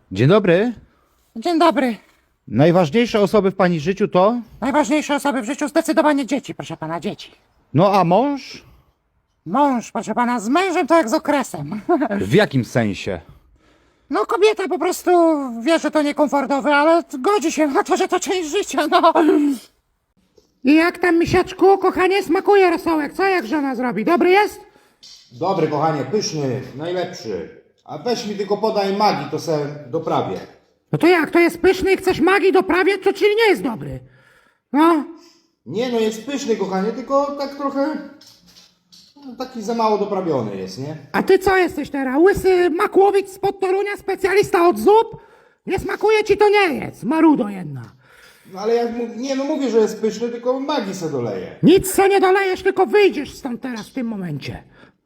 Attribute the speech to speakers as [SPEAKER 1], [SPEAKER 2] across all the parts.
[SPEAKER 1] Dzień dobry.
[SPEAKER 2] Dzień dobry.
[SPEAKER 1] Najważniejsze osoby w pani życiu to?
[SPEAKER 2] Najważniejsze osoby w życiu zdecydowanie dzieci, proszę pana, dzieci.
[SPEAKER 1] No a mąż?
[SPEAKER 2] Mąż, proszę pana, z mężem to jak z okresem.
[SPEAKER 1] W jakim sensie?
[SPEAKER 2] No kobieta po prostu wie, że to niekomfortowe, ale godzi się na to, że to część życia, no. I jak tam, misiaczku, kochanie, smakuje rosołek? Co jak żona zrobi? Dobry jest?
[SPEAKER 3] Dobry, kochanie, pyszny, najlepszy. A weź mi tylko podaj magii, to se doprawię.
[SPEAKER 2] No to jak, to jest pyszny i chcesz magii doprawiać, to czyli nie jest dobry. No,
[SPEAKER 3] Nie no, jest pyszny, kochanie, tylko tak trochę... taki za mało doprawiony jest, nie?
[SPEAKER 2] a ty co jesteś teraz? Łysy Makłowicz spod Torunia, specjalista od zup? Nie smakuje ci, to nie jest, marudo jedna.
[SPEAKER 3] No ale jak nie no mówię, że jest pyszny, tylko magii se doleję.
[SPEAKER 2] Nic se nie dolejesz, tylko wyjdziesz stąd teraz w tym momencie.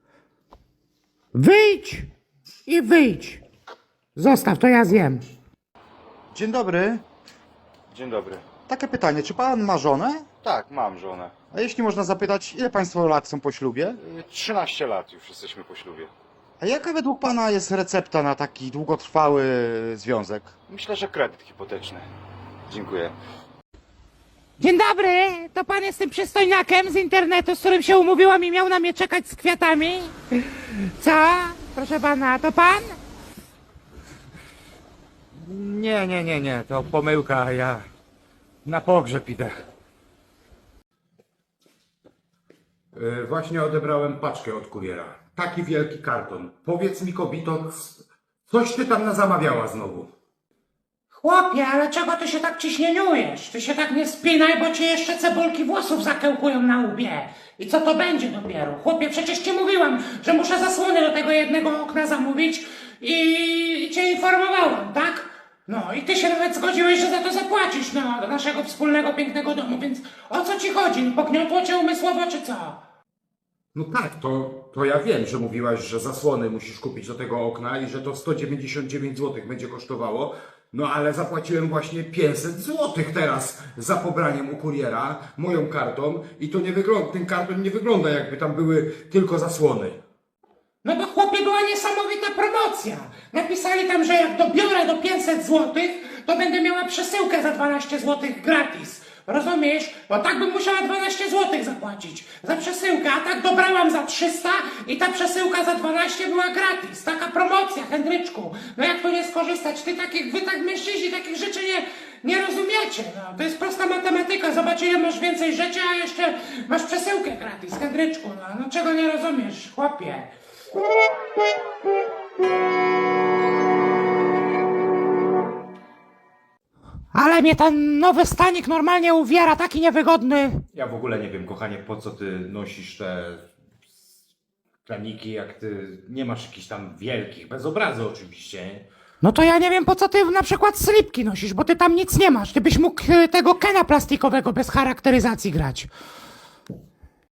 [SPEAKER 2] Wyjdź i wyjdź. Zostaw, to ja zjem.
[SPEAKER 1] Dzień dobry.
[SPEAKER 4] Dzień dobry.
[SPEAKER 1] Takie pytanie, czy pan ma żonę?
[SPEAKER 4] Tak, mam żonę.
[SPEAKER 1] A jeśli można zapytać, ile państwo lat są po ślubie?
[SPEAKER 4] 13 lat już jesteśmy po ślubie.
[SPEAKER 1] A jaka według pana jest recepta na taki długotrwały związek?
[SPEAKER 4] Myślę, że kredyt hipoteczny. Dziękuję.
[SPEAKER 2] Dzień dobry, to pan jest tym przystojniakiem z internetu, z którym się umówiłam i miał na mnie czekać z kwiatami? Co? Proszę pana, to pan?
[SPEAKER 5] Nie, to pomyłka, ja na pogrzeb idę. Właśnie odebrałem paczkę od kuriera. Taki wielki karton. Powiedz mi, kobito, coś ty tam zamawiała znowu?
[SPEAKER 2] Chłopie, ale czego ty się tak ciśnieniujesz? Ty się tak nie spinaj, bo ci jeszcze cebulki włosów zakełkują na łbie. I co to będzie dopiero? Chłopie, przecież ci mówiłam, że muszę zasłony do tego jednego okna zamówić i cię informowałam, tak? No i ty się nawet zgodziłeś, że za to zapłacisz, no, do naszego wspólnego, pięknego domu, więc o co ci chodzi? Pogniotło cię umysłowo, czy co?
[SPEAKER 5] No tak, to ja wiem, że mówiłaś, że zasłony musisz kupić do tego okna i że to 199 zł będzie kosztowało. No ale zapłaciłem właśnie 500 zł teraz za pobraniem u kuriera moją kartą i to nie wygląda, ten karton nie wygląda jakby tam były tylko zasłony.
[SPEAKER 2] No bo chłopie, była niesamowita promocja. Napisali tam, że jak dobiorę do 500 zł, to będę miała przesyłkę za 12 zł gratis. Rozumiesz? Bo tak bym musiała 12 zł zapłacić za przesyłkę, a tak dobrałam za 300 i ta przesyłka za 12 była gratis. Taka promocja, Henryczku. No jak tu nie skorzystać? Wy tak mężczyźni takich rzeczy nie rozumiecie. No, to jest prosta matematyka. Zobacz, ile masz więcej rzeczy, a jeszcze masz przesyłkę gratis, Henryczku. No czego nie rozumiesz, chłopie? Ale mnie ten nowy stanik normalnie uwiera, taki niewygodny.
[SPEAKER 5] Ja w ogóle nie wiem, kochanie, po co ty nosisz te planiki, jak ty nie masz jakichś tam wielkich, bez obrazu oczywiście. Nie?
[SPEAKER 2] No to ja nie wiem, po co ty na przykład slipki nosisz, bo ty tam nic nie masz. Ty byś mógł tego Kena plastikowego bez charakteryzacji grać.